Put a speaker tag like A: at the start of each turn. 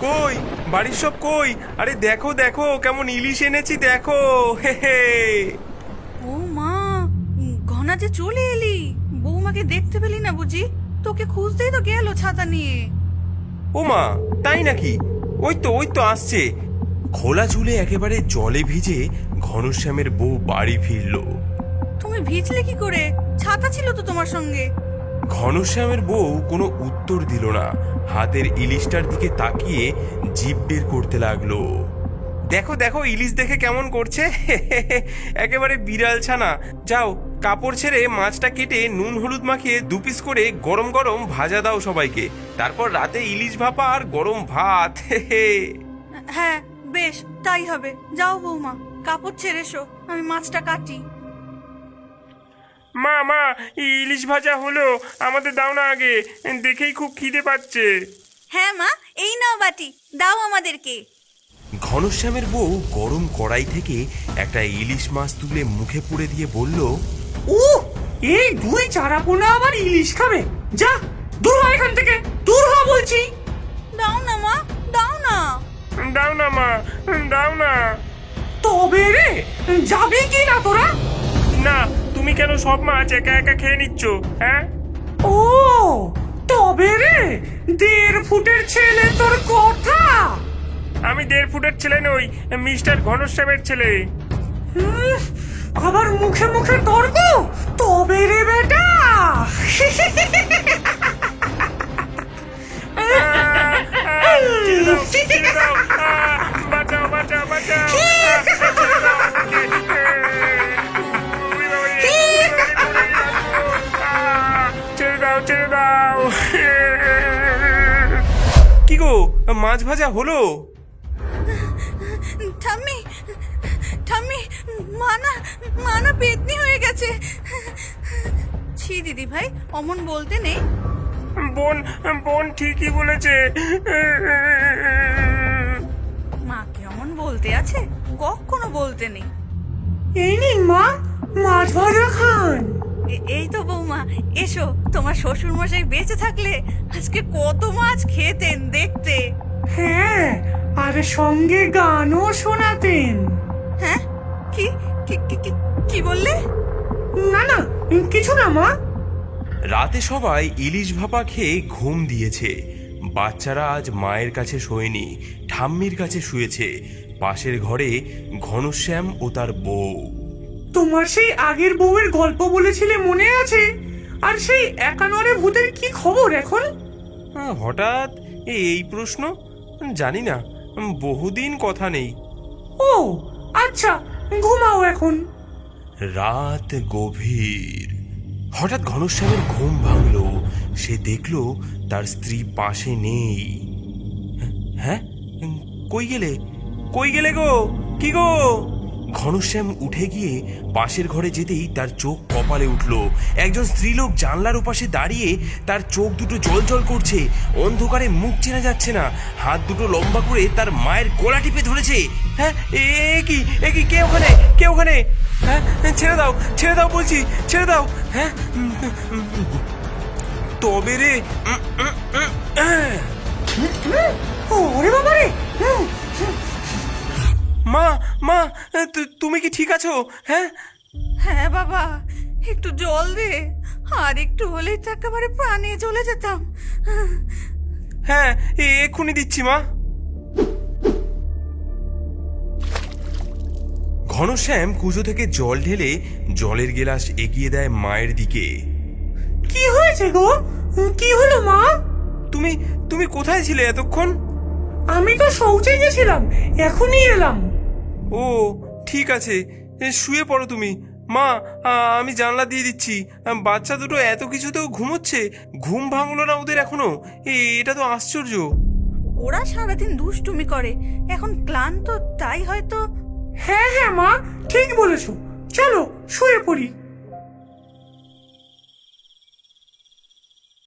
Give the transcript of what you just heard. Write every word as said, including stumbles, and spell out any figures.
A: কই বাড়ির সব কই? আরে দেখো দেখো কেমন ইলিশ এনেছি দেখো। হে হে।
B: ও মা, ঘনা যে চলে এলি, বৌমাকে দেখতে পেলি না বুঝি? তোকে খুঁজতেই তো গেল ছাতা নিয়ে।
A: ও মা, তাই নাকি? ওই তো ওই তো আসছে। খোলা চুলে একেবারে জলে ভিজে ঘনশ্যামের বউ বাড়ি ফিরল।
B: তুমি ভিজলে কি করে? ছাতা ছিল তো তোমার সঙ্গে।
A: ঘনশ্যামের বউ কোনো উত্তর দিল না, হাতের ইলিশটার দিকে তাকিয়ে জিভ বের করতে লাগলো। দেখো দেখো ইলিশ দেখে কেমন করছে। একেবারে বিড়াল ছানা। যাও কাপড় ছেড়ে মাছটা কেটে নুন হলুদ মাখিয়ে দু পিস করে গরম গরম ভাজা দাও সবাইকে, তারপর রাতে ইলিশ ভাপা আর গরম ভাত।
B: হ্যাঁ বেশ, তাই হবে। যাও বৌমা, কাপড় ছেড়ে এসো, আমি মাছটা কাটি।
A: মা মা, ইলিশ ভাজা হলো, আমাদের দাও না আগে, দেখেই খুব খিদে পাচ্ছে।
B: হ্যাঁ মা, এই নাও বাটি, দাও আমাদেরকে।
A: ঘনশ্যামের বউ গরম কড়াই থেকে একটা ইলিশ মাছ তুলে মুখে পুড়ে দিয়ে বলল,
C: ও এই দুই চারাপোনা আবার ইলিশ খাবে? যা দূর হ এখান থেকে, দূর হ বলছি।
B: দাও না মা, দাও না।
A: দাও না মা, দাও না।
C: তবে রে, যাবি কি না তোরা?
A: না, তুমি কেন সব মাছ একা একা খেয়ে নিচ্ছ? হ্যাঁ,
C: ও তবে রে, দেড় ফুটের ছেলে তোর কথা।
A: আমি দেড় ফুটের ছেলে নই, মিস্টার ঘনশ্যামের ছেলে।
C: হুম, আবার মুখে মুখে তর্ক? তবে রে বেটা।
A: বাঁচাও বাঁচাও বাঁচাও। ছেড়ে দাও ছেড়ে দাও। কি গো, মাছ ভাজা হলো?
B: ঠাম্মি, ঠাম্মি, মানা মানা পেতনি হয়ে গেছে। ছি দিদি ভাই, অমন বলতে নেই।
A: বোন বোন ঠিকই বলেছে।
B: মাকে অমন বলতে আছে? কখনো বলতে নেই।
C: এই নিন মা, মাছ ভাজা খান।
B: এ- এই তো বৌমা, এসো। তোমার শ্বশুর মশাই বেঁচে থাকলে আজকে কত মাছ খেতেন দেখতে।
C: হ্যাঁ, আর সঙ্গে গানও শোনাতেন।
B: হ্যাঁ, কি কি কি- কি- কি বললে?
C: না না, কিছু না মা।
A: রাতে সবাই ইলিশ ভাপা খেয়ে ঘুম দিয়েছে। বাচ্চারা আজ মায়ের কাছে শোয়নি, ঠাম্মির কাছে শুয়েছে। পাশের ঘরে ঘনশ্যাম ও তার বউ।
C: তোমার সেই আগের বউয়ের গল্প বলেছিলে মনে আছে? আর সেই একানরে ভূতের কি খবর এখন?
A: আহ, হঠাৎ এই প্রশ্ন? জানি না, বহুদিন কথা নেই।
C: ও আচ্ছা, ঘুমাও এখন।
A: রাত গভীর। হঠাৎ ঘনশ্যামের ঘুম ভাঙল। সে দেখল তার স্ত্রী পাশে নেই। হ্যাঁ, কই গেলে কই গেলে গো? কি গো? ঘনশ্যাম উঠে গিয়ে পাশের ঘরে যেতেই তার চোখ কপালে উঠল। একজন স্ত্রীলোক জানলার ওপাশে দাঁড়িয়ে, তার চোখ দুটো জল জল করছে, অন্ধকারে মুখ চেনা যাচ্ছে না, হাত দুটো লম্বা করে তার মায়ের গলা টিপে ধরেছে। হ্যাঁ, এ কি এ কি? কে ওখানে? কে ওখানে? হ্যাঁ, ছেড়ে দাও ছেড়ে দাও বলছি, ছেড়ে দাও। হ্যাঁ, তবে রে।
C: ওরে বাবা রে।
A: মা মা, তু- তুমি কি ঠিক আছো? হ্যাঁ,
B: হ্যাঁ বাবা, একটু জল দে, আর একটু হলেই তো একেবারে প্রাণে চলে যেতাম।
A: হ্যাঁ, এ- এক্ষুনি দিচ্ছি মা। ঘনশ্যাম কুজো থেকে জল ঢেলে জলের গেলাস এগিয়ে দেয় মায়ের দিকে।
C: কি হয়েছে গো? কি হলো মা?
A: তুমি তুমি কোথায় ছিলে এতক্ষণ?
C: আমি তো শৌচে গেছিলাম, এখনই এলাম।
A: ও ঠিক আছে, এ, শুয়ে পড়ো তুমি। মা, আ- আমি জানলা দিয়ে দিচ্ছি। বাচ্চা দুটো এত কিছুতেও ঘুমোচ্ছে, ঘুম ভাঙলো না ওদের এখনো? এ- এটা তো আশ্চর্য।
B: ওরা সারাদিন দুষ্টুমি করে, এখন ক্লান্ত, তাই হয়তো।
C: হ্যাঁ হ্যাঁ মা, ঠিক বলেছো। চলো শুয়ে পড়ি।